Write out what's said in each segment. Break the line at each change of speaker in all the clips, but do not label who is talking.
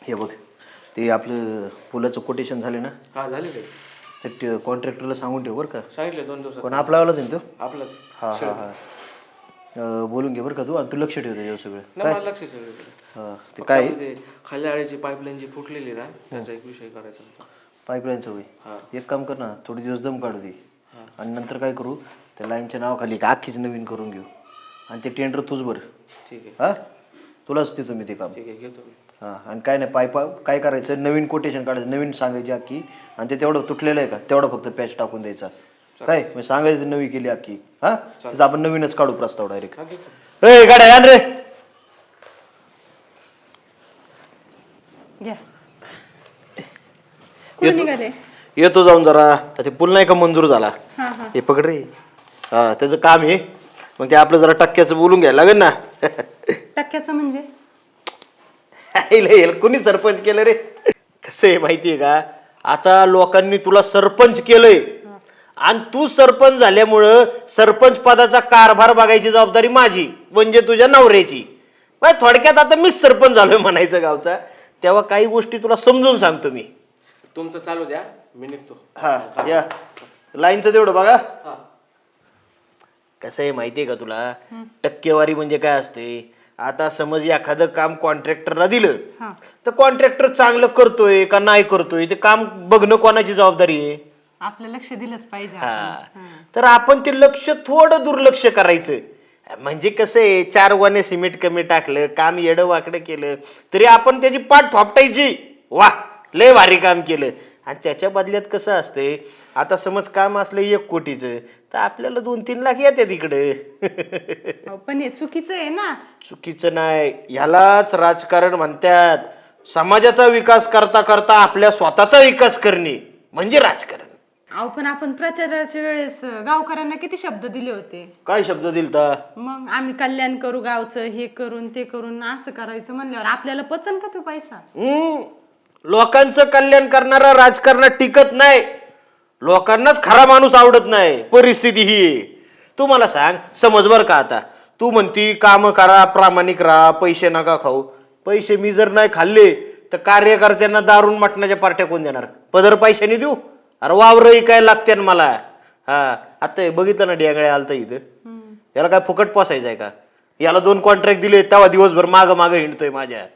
हे बघ ते आपलं पुलाचं कोटेशन झाले ना.
हा झाले
ते कॉन्ट्रॅक्टरला सांगून ठेव बरं का.
सांगितले 2 दिवसात.
कोण आपलावालाच आहे तो.
आपलंच.
हा हा हा बोलून घे बरं का तू. आणि तू लक्ष ठेव त्याच्यावर सगळं.
नाही मला लक्ष सगळं.
हा ते काय
ते खाली आळ्याची पाईपलाईन जी फुटलेली ना त्याचा एक विषय करायचा होता.
पाईपलाईनचं
हा.
होय. एक काम कर ना, थोडे दिवस दम काढू दे आणि नंतर काय करू, त्या लाईनच्या नावाखाली एक अख्खीच नवीन करून घेऊ आणि ते टेंडर तूच बरं.
ठीक आहे.
हा तुलाच देतो मी ते काम.
ठीक आहे घेतो मी.
हां आणि काय नाही पाईप काय करायचं, नवीन कोटेशन काढायचं, नवीन सांगायची अख्खी. आणि ते तेवढं तुटलेलं आहे का तेवढं फक्त पॅच टाकून द्यायचा. काय मी सांगायचं नवी केली अख्खी. हां तिथं आपण नवीनच काढू प्रस्ताव डायरेक्ट. ए गाड्या आण रे. येतो जाऊन जरा. ते पूल नाही का मंजूर झाला. हे पकड रे. हा त्याचं काम हे. मग ते आपलं जरा टक्क्याचं बोलून घ्यायला लागेल ना.
टक्क्याचं म्हणजे
कोणी सरपंच केलं रे. कसं आहे माहितीये का, आता लोकांनी तुला सरपंच केलंय आणि तू सरपंच झाल्यामुळं सरपंच पदाचा कारभार बघायची जबाबदारी माझी म्हणजे तुझ्या नवऱ्याची. थोडक्यात आता मीच सरपंच झालोय म्हणायचं गावचा. तेव्हा काही गोष्टी तुला समजून सांगतो मी.
तुमचं चालू द्या मी निघतो.
हा या लाईनचं तेवढं बघा.
हा.
कसं आहे माहितीये का तुला, टक्केवारी म्हणजे काय असते. आता समज एखादं काम कॉन्ट्रॅक्टरला दिलं तर कॉन्ट्रॅक्टर चांगलं करतोय का नाही करतोय ते काम बघणं कोणाची जबाबदारी आहे.
आपलं लक्ष दिलंच पाहिजे.
हा तर आपण ते लक्ष थोडं दुर्लक्ष करायचं. म्हणजे कसं आहे, 4 वाने सिमेंट कमी टाकलं, काम येडं वाकडं केलं तरी आपण त्याची पाठ थोपटायची. वा लय भारी काम केलं. आणि त्याच्या बदल्यात कसं असते, आता समज काम असलं 1 कोटीचं तर आपल्याला 2-3 लाख येतात इकडे.
पण हे चुकीचं आहे ना.
चुकीचं नाही, ह्यालाच राजकारण म्हणतात. समाजाचा विकास करता करता आपल्या स्वतःचा विकास करणे म्हणजे राजकारण.
अहो पण आपण प्रचाराच्या वेळेस गावकऱ्यांना किती शब्द दिले होते.
काय शब्द दिलता.
मग आम्ही कल्याण करू गावचं, हे करून ते करून असं करायचं म्हणल्यावर आपल्याला पचन का तो पैसा.
लोकांचं कल्याण करणारा राजकारणात टिकत नाही. लोकांनाच खरा माणूस आवडत नाही. परिस्थिती ही तू मला सांग. समज बर का, आता तू म्हणती काम करा, प्रामाणिक राहा, पैसे नका खाऊ. पैसे मी जर नाही खाल्ले तर कार्यकर्त्यांना दारून मटणाच्या पार्ट्या कोण देणार. पदर पैशाने देऊ. अरे वावरही काय लागते ना मला. हा आता बघितलं ना डेंगळ्या आलता इथं. याला काय फुकट पोसायचं आहे का. याला 2 कॉन्ट्रॅक्ट दिले तेव्हा दिवसभर माग माग हिंडतोय माझ्या.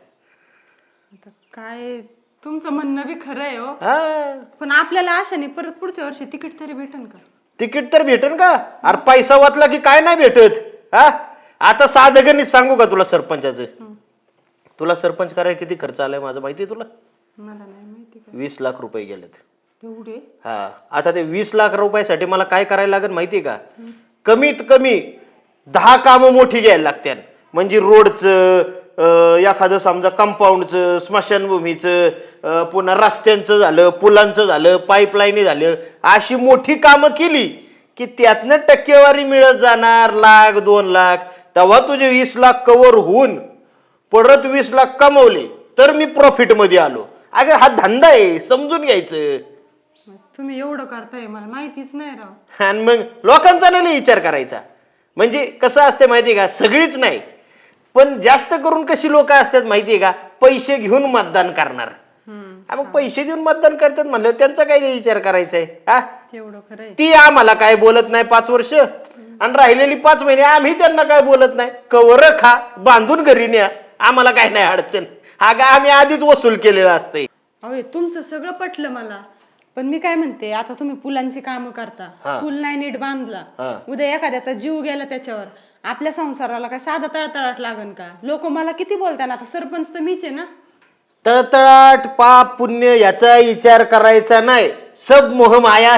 काय तुमचं म्हणणं बी खरं आहे हो. पण आपल्याला आशाने परत पुढच्या वर्षी तिकीट तरी भेटेल का.
तिकीट तर भेटेल का. अरे पैसा वाचला की काय नाही भेटत. हा आता साधं गणित सांगू का तुला सरपंचाचं. तुला सरपंच करायला किती खर्च आलाय माझं माहिती आहे तुला.
मला नाही माहिती.
20 लाख रुपये गेलेत.
एवढे.
हा आता ते 20 लाख रुपयासाठी मला काय करायला लागेल माहितीये का. कमीत कमी 10 कामं मोठी घ्यायला लागतात. म्हणजे रोडचं, एखादं समजा कंपाऊंडचं, स्मशानभूमीचं, पुन्हा रस्त्यांचं झालं, पुलांचं झालं, पाईपलाईन झालं. अशी मोठी कामं केली की त्यातनं टक्केवारी मिळत जाणार 1-2 लाख. तेव्हा तुझे 20 लाख कव्हर होऊन परत 20 लाख कमवले तर मी प्रॉफिट मध्ये आलो. अगं हा धंदा आहे, समजून घ्यायचं.
तुम्ही एवढं करताय मला माहितीच नाही राव.
आणि मग लोकांचा नाही विचार करायचा. म्हणजे कसं असते माहितीये का, सगळीच नाही पण जास्त करून कशी लोक असतात माहितीये का, पैसे घेऊन मतदान करणार. मग पैसे देऊन मतदान करतात म्हणलं त्यांचा काही विचार करायचा आहे. हा
तेवढं खरंय.
ती आम्हाला काय बोलत नाही 5 वर्ष आणि राहिलेली 5 महिने आम्ही त्यांना काय बोलत नाही. कवर खा, बांधून घरी न्या, आम्हाला काय नाही अडचण. हा का आम्ही आधीच वसूल केलेला असते.
अहो तुमचं सगळं पटलं मला. पण मी काय म्हणते, आता तुम्ही पुलांची कामं करता, पूल नाही नीट बांधला, उद्या एखाद्याचा जीव गेला त्याच्यावर, आपल्या संसाराला काय साधा तळतळाट लागन का. लोक मला किती बोलतात. आता सरपंच तर मीच आहे ना.
तळतळाट पाप पुण्य याचा विचार करायचा नाही. सब मोह माया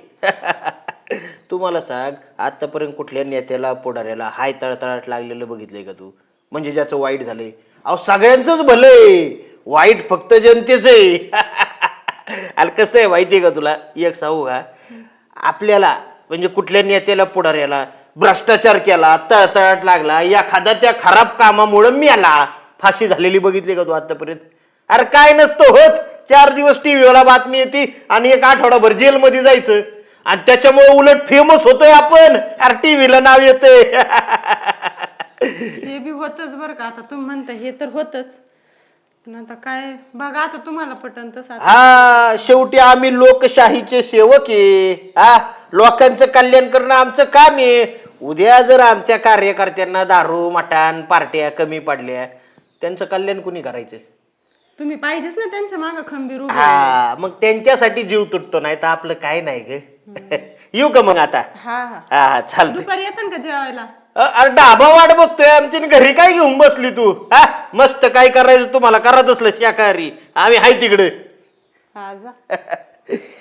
आहे. तुम्हाला सांग आतापर्यंत कुठल्या नेत्याला पुढाऱ्याला हाय तळतळाट लागलेलं बघितलंय का तू. म्हणजे ज्याचं वाईट झालंय. अहो सगळ्यांचंच भलंय, वाईट फक्त जनतेच आहे. आणि कसं आहे माहितीये का तुला, एक सांगू का, आपल्याला म्हणजे कुठल्या नेत्याला पुढाऱ्याला भ्रष्टाचार केला, तळतळाट लागला, एखादा त्या खराब कामामुळे मेला, फाशी झालेली बघितली का तू आतापर्यंत. अरे काय नसतं होत. 4 दिवस टीव्हीला बातमी येते आणि 1 आठवडाभर जेलमध्ये जायचं आणि त्याच्यामुळे उलट फेमस होतोय आपण. अरे टीव्हीला नाव येतंय.
हे बी होतच बरं का. आता तुम्ही म्हणता हे तर होतच. पण आता काय बघा, आता तुम्हाला पटन तसं.
हा, शेवटी आम्ही लोकशाहीचे सेवक आहे. हा, लोकांचं कल्याण करणं आमचं काम आहे. उद्या जर आमच्या कार्यकर्त्यांना दारू मटण पार्ट्या कमी पडल्या, त्यांचं कल्याण कुणी करायचं?
तुम्ही पाहिजेच ना त्यांच्या मागं खंबीर उभे.
हा, मग त्यांच्यासाठी जीव तुटतो, नाही तर आपलं काय नाही ग. येऊ का मग आता?
हा हा.
हा, चालतंय.
दुपारी येतात का जेवायला?
अरे डाबा वाट बघतोय आमची, घरी काय घेऊन बसली तू? हा, मस्त काय करायचं तुम्हाला करत असलं शाकाहारी, आम्ही हाय तिकडे.
हा जा.